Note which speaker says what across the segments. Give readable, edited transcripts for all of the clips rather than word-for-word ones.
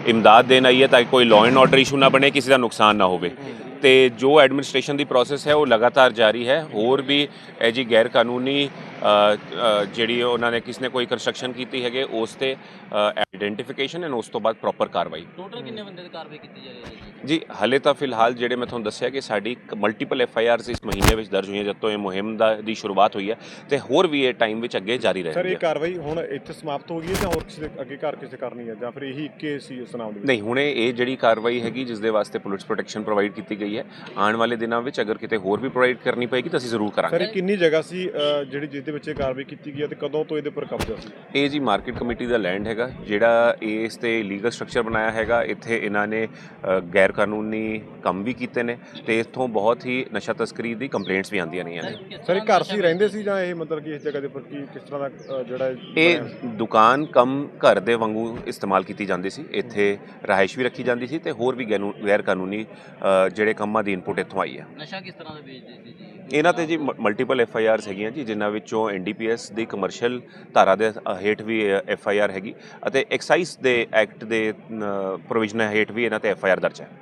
Speaker 1: ਇਮਦਾਦ ਦੇਣ ਆਈ ਹੈ ਤਾਂ ਕਿ ਕੋਈ ਲਾਅ ਐਂਡ ਆਰਡਰ ਇਸ਼ੂ ਨਾ ਬਣੇ, ਕਿਸੇ ਦਾ ਨੁਕਸਾਨ ਨਾ ਹੋਵੇ। ਤੇ ਜੋ ਐਡਮਿਨਿਸਟ੍ਰੇਸ਼ਨ ਦੀ ਪ੍ਰੋਸੈਸ ਹੈ ਉਹ ਲਗਾਤਾਰ ਜਾਰੀ ਹੈ। ਹੋਰ ਵੀ ਇਹ ਜੀ ਗੈਰ ਕਾਨੂੰਨੀ ਜਿਹੜੀ ਉਹਨਾਂ ਨੇ ਕਿਸੇ ਨੇ ਕੋਈ ਕੰਸਟਰਕਸ਼ਨ ਕੀਤੀ ਹੈਗੇ ਉਸ ਤੇ ਆਈਡੈਂਟੀਫਿਕੇਸ਼ਨ ਐਂਡ ਉਸ ਤੋਂ ਬਾਅਦ ਪ੍ਰੋਪਰ ਕਾਰਵਾਈ।
Speaker 2: ਟੋਟਲ ਕਿੰਨੇ ਬੰਦੇ ਦੀ ਕਾਰਵਾਈ ਕੀਤੀ ਜਾ ਰਹੀ ਹੈ
Speaker 1: ਜੀ ਹਲੇ ਤਾਂ ਫਿਲਹਾਲ ਜਿਹੜੇ ਮੈਂ ਤੁਹਾਨੂੰ ਦੱਸਿਆ ਕਿ ਸਾਡੀ ਮਲਟੀਪਲ FIRs ਇਸ ਮਹੀਨੇ ਵਿੱਚ ਦਰਜ ਹੋਈਆਂ, ਜਦੋਂ ਇਹ ਮੁਹਿੰਮ ਦੀ ਸ਼ੁਰੂਆਤ ਹੋਈ ਹੈ, ਤੇ ਹੋਰ ਵੀ ਇਹ ਟਾਈਮ ਵਿੱਚ ਅੱਗੇ ਜਾਰੀ
Speaker 3: ਸਰ
Speaker 1: ਰਹੇਗੀ।
Speaker 3: ਇਹ ਕਾਰਵਾਈ ਹੁਣ ਇੱਥੇ ਸਮਾਪਤ ਹੋ ਗਈ ਹੈ ਜਾਂ ਹੋਰ ਕਿਸੇ ਦੇ ਅੱਗੇ ਕਿਸੇ ਕਰਨੀ ਹੈ ਜਾਂ ਫਿਰ ਇਹੀ ਇੱਕੇ ਸੀ ਇਸ ਨਾਮ ਦੇ ਵਿੱਚ?
Speaker 1: ਨਹੀਂ, ਹੁਣੇ ਇਹ ਜਿਹੜੀ ਕਾਰਵਾਈ ਹੈਗੀ ਜਿਸ ਦੇ ਵਾਸਤੇ ਪੁਲਿਸ ਪ੍ਰੋਟੈਕਸ਼ਨ ਪ੍ਰੋਵਾਈਡ ਕੀਤੀ ਗਈ ਹੈ, ਆਉਣ ਵਾਲੇ ਦਿਨਾਂ ਵਿੱਚ ਅਗਰ ਕਿਤੇ ਹੋਰ ਵੀ ਪ੍ਰੋਵਾਈਡ ਕਰਨੀ ਪਏਗੀ ਤਾਂ ਅਸੀਂ ਜ਼ਰੂਰ
Speaker 3: ਸਰ
Speaker 1: ਕਰਾਂਗੇ।
Speaker 3: ਇਹ ਕਿੰਨੀ ਜਗ੍ਹਾ ਸੀ ਜਿਹਦੇ ਵਿੱਚ ਇਹ ਕਾਰਵਾਈ ਕੀਤੀ ਗਈ ਹੈ ਤੇ ਕਦੋਂ ਤੋਂ ਇਹਦੇ ਉੱਪਰ ਕਬਜ਼ਾ ਸੀ?
Speaker 1: ਇਹ ਜੀ ਮਾਰਕੀਟ ਕਮੇਟੀ ਦਾ ਲੈਂਡ ਹੈਗਾ ਜਿਹੜਾ ਇਸ ਤੇ ਲੀਗਲ ਸਟਰਕਚਰ ਬਣਾਇਆ ਹੈਗਾ। ਇੱਥੇ ਇਹਨਾਂ ਨੇ ਗੈਰ ਕਾਨੂੰਨੀ ਕੰਮ ਵੀ ਕੀਤੇ ਨੇ ਤੇ ਇੱਥੋਂ ਬਹੁਤ ਹੀ ਨਸ਼ਾ ਤਸਕਰੀ ਦੀ ਕੰਪਲੇਂਟਸ ਵੀ ਆਉਂਦੀਆਂ ਰਹੀਆਂ ਨੇ।
Speaker 3: ਸਰ ਇਹ ਘਰ ਸੀ ਰਹਿੰਦੇ ਸੀ ਜਾਂ ਇਹ ਮਤਲਬ ਕਿ ਇਸ ਜਗ੍ਹਾ ਦੇ ਉੱਪਰ ਕਿਸ ਤਰ੍ਹਾਂ ਦਾ ਜਿਹੜਾ
Speaker 1: ਇਹ ਦੁਕਾਨ ਕਮ ਘਰ ਦੇ ਵਾਂਗੂ ਇਸਤੇਮਾਲ ਕੀਤੀ ਜਾਂਦੀ ਸੀ। ਇੱਥੇ ਰਿਹਾਇਸ਼ ਵੀ ਰੱਖੀ ਜਾਂਦੀ ਸੀ ਤੇ ਹੋਰ ਵੀ ਗੈਰ ਕਾਨੂੰਨੀ ਜਿਹੜੇ ਕੰਮਾਂ ਦੀ ਇਨਪੁਟ ਇੱਥੋਂ ਆਈ ਹੈ।
Speaker 2: ਨਸ਼ਾ ਕਿਸ ਤਰ੍ਹਾਂ ਦਾ ਵੇਚਦੇ ਸੀ ਜੀ?
Speaker 1: ਇਹਨਾਂ ਤੇ ਜੀ ਮਲਟੀਪਲ FIRs ਹੈਗੀਆਂ ਜੀ, ਜਿਨ੍ਹਾਂ ਵਿੱਚੋਂ NDPS ਦੀ ਕਮਰਸ਼ੀਅਲ ਧਾਰਾ ਦੇ ਹੇਠ ਵੀ FIR ਹੈਗੀ ਅਤੇ ਐਕਸਾਈਜ਼ ਦੇ ਐਕਟ ਦੇ ਪ੍ਰੋਵੀਜ਼ਨ ਹੇਠ ਵੀ ਇਹਨਾਂ ਤੇ FIR ਦਰਜ ਹੈ।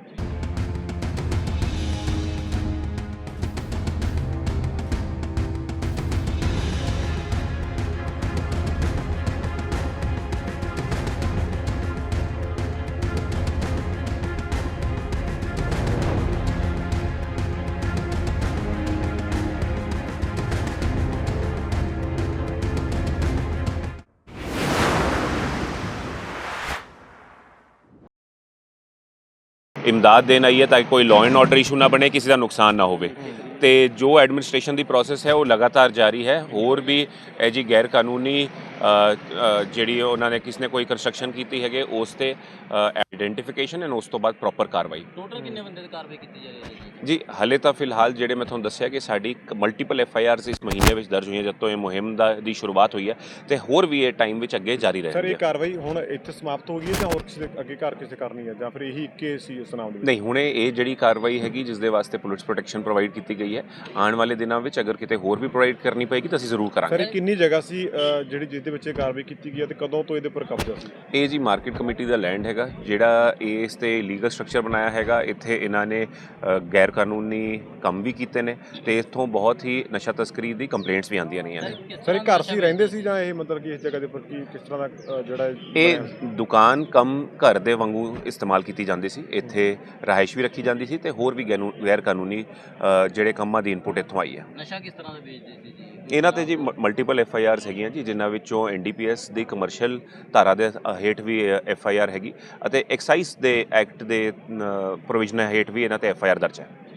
Speaker 1: ਇਮਦਾਦ ਦੇਣ ਆਈ ਹੈ ਤਾਂ ਕਿ ਕੋਈ ਲਾਅ ਐਂਡ ਆਰਡਰ ਇਸ਼ੂ ਨਾ ਬਣੇ, ਕਿਸੇ ਦਾ ਨੁਕਸਾਨ ਨਾ ਹੋਵੇ। ਤੇ ਜੋ ਐਡਮਿਨਿਸਟ੍ਰੇਸ਼ਨ ਦੀ ਪ੍ਰੋਸੈਸ ਹੈ ਉਹ ਲਗਾਤਾਰ ਜਾਰੀ ਹੈ। ਹੋਰ ਵੀ ਇਹ ਜੀ ਗੈਰ ਕਾਨੂੰਨੀ ਜਿਹੜੀ ਉਹਨਾਂ ਨੇ ਕਿਸੇ ਨੇ ਕੋਈ ਕੰਸਟਰਕਸ਼ਨ ਕੀਤੀ ਹੈਗੇ ਉਸ ਤੇ ਆਈਡੈਂਟੀਫਿਕੇਸ਼ਨ ਐਂਡ ਉਸ ਤੋਂ ਬਾਅਦ ਪ੍ਰੋਪਰ ਕਾਰਵਾਈ।
Speaker 2: ਟੋਟਲ ਕਿੰਨੇ ਬੰਦੇ ਦੀ ਕਾਰਵਾਈ ਕੀਤੀ ਜਾ ਰਹੀ ਹੈ
Speaker 1: ਜੀ ਹਲੇ ਤਾਂ ਫਿਲਹਾਲ ਜਿਹੜੇ ਮੈਂ ਤੁਹਾਨੂੰ ਦੱਸਿਆ ਕਿ ਸਾਡੀ ਮਲਟੀਪਲ FIRs ਇਸ ਮਹੀਨੇ ਵਿੱਚ ਦਰਜ ਹੋਈਆਂ, ਜਦੋਂ ਇਹ ਮੁਹਿੰਮ ਦੀ ਸ਼ੁਰੂਆਤ ਹੋਈ ਹੈ, ਤੇ ਹੋਰ ਵੀ ਇਹ ਟਾਈਮ ਵਿੱਚ ਅੱਗੇ ਜਾਰੀ
Speaker 3: ਸਰ
Speaker 1: ਰਹੇਗੀ।
Speaker 3: ਇਹ ਕਾਰਵਾਈ ਹੁਣ ਇੱਥੇ ਸਮਾਪਤ ਹੋ ਗਈ ਹੈ ਜਾਂ ਹੋਰ ਕਿਸੇ ਦੇ ਅੱਗੇ ਕਿਸੇ ਕਰਨੀ ਹੈ ਜਾਂ ਫਿਰ ਇਹੀ ਇੱਕੇ ਸੀ ਇਸ ਨਾਮ ਦੇ ਵਿੱਚ?
Speaker 1: ਨਹੀਂ, ਹੁਣੇ ਇਹ ਜਿਹੜੀ ਕਾਰਵਾਈ ਹੈਗੀ ਜਿਸ ਦੇ ਵਾਸਤੇ ਪੁਲਿਸ ਪ੍ਰੋਟੈਕਸ਼ਨ ਪ੍ਰੋਵਾਈਡ ਕੀਤੀ ਗਈ ਹੈ, ਆਉਣ ਵਾਲੇ ਦਿਨਾਂ ਵਿੱਚ ਅਗਰ ਕਿਤੇ ਹੋਰ ਵੀ ਪ੍ਰੋਵਾਈਡ ਕਰਨੀ ਪਏਗੀ ਤਾਂ ਅਸੀਂ ਜ਼ਰੂਰ
Speaker 3: ਸਰ
Speaker 1: ਕਰਾਂਗੇ।
Speaker 3: ਇਹ ਕਿੰਨੀ ਜਗ੍ਹਾ ਸੀ ਜਿਹਦੇ ਵਿੱਚ ਇਹ ਕਾਰਵਾਈ ਕੀਤੀ ਗਈ ਹੈ ਤੇ ਕਦੋਂ ਤੋਂ ਇਹਦੇ ਉੱਪਰ ਕਬਜ਼ਾ ਸੀ?
Speaker 1: ਇਹ ਜੀ ਮਾਰਕੀਟ ਕਮੇਟੀ ਦਾ ਲੈਂਡ ਹੈਗਾ ਜਿਹੜਾ ਇਸ ਤੇ ਲੀਗਲ ਸਟਰਕਚਰ ਬਣਾਇਆ ਹੈਗਾ। ਇੱਥੇ ਇਹਨਾਂ ਨੇ ਗੈਰ ਕਾਨੂੰਨੀ ਕੰਮ ਵੀ ਕੀਤੇ ਨੇ ਤੇ ਇੱਥੋਂ ਬਹੁਤ ਹੀ ਨਸ਼ਾ ਤਸਕਰੀ ਦੀ ਕੰਪਲੇਂਟਸ ਵੀ ਆਉਂਦੀਆਂ ਰਹੀਆਂ ਨੇ।
Speaker 3: ਸਰ ਇਹ ਘਰ ਸੀ ਰਹਿੰਦੇ ਸੀ ਜਾਂ ਇਹ ਮਤਲਬ ਕਿ ਇਸ ਜਗ੍ਹਾ ਦੇ ਉੱਪਰ ਕਿਸ ਤਰ੍ਹਾਂ ਦਾ ਜਿਹੜਾ
Speaker 1: ਇਹ ਦੁਕਾਨ ਕਮ ਘਰ ਦੇ ਵਾਂਗੂ ਇਸਤੇਮਾਲ ਕੀਤੀ ਜਾਂਦੀ ਸੀ। ਇੱਥੇ ਰਿਹਾਇਸ਼ ਵੀ ਰੱਖੀ ਜਾਂਦੀ ਸੀ ਤੇ ਹੋਰ ਵੀ ਗੈਰ ਕਾਨੂੰਨੀ ਜਿਹੜੇ ਕੰਮਾਂ ਦੀ ਇਨਪੁਟ ਇੱਥੋਂ ਆਈ ਹੈ।
Speaker 2: ਨਸ਼ਾ ਕਿਸ ਤਰ੍ਹਾਂ ਦਾ ਵੇਚਦੇ ਸੀ ਜੀ?
Speaker 1: ਇਹਨਾਂ ਤੇ ਜੀ ਮਲਟੀਪਲ FIRs ਹੈਗੀਆਂ ਜੀ, ਜਿਨ੍ਹਾਂ ਵਿੱਚੋਂ NDPS ਦੀ ਕਮਰਸ਼ੀਅਲ ਧਾਰਾ ਦੇ ਹੇਠ ਵੀ FIR ਹੈਗੀ ਅਤੇ ਐਕਸਾਈਜ਼ ਦੇ ਐਕਟ ਦੇ ਪ੍ਰੋਵੀਜ਼ਨ ਹੇਠ ਵੀ ਇਹਨਾਂ ਤੇ FIR ਦਰਜ ਹੈ।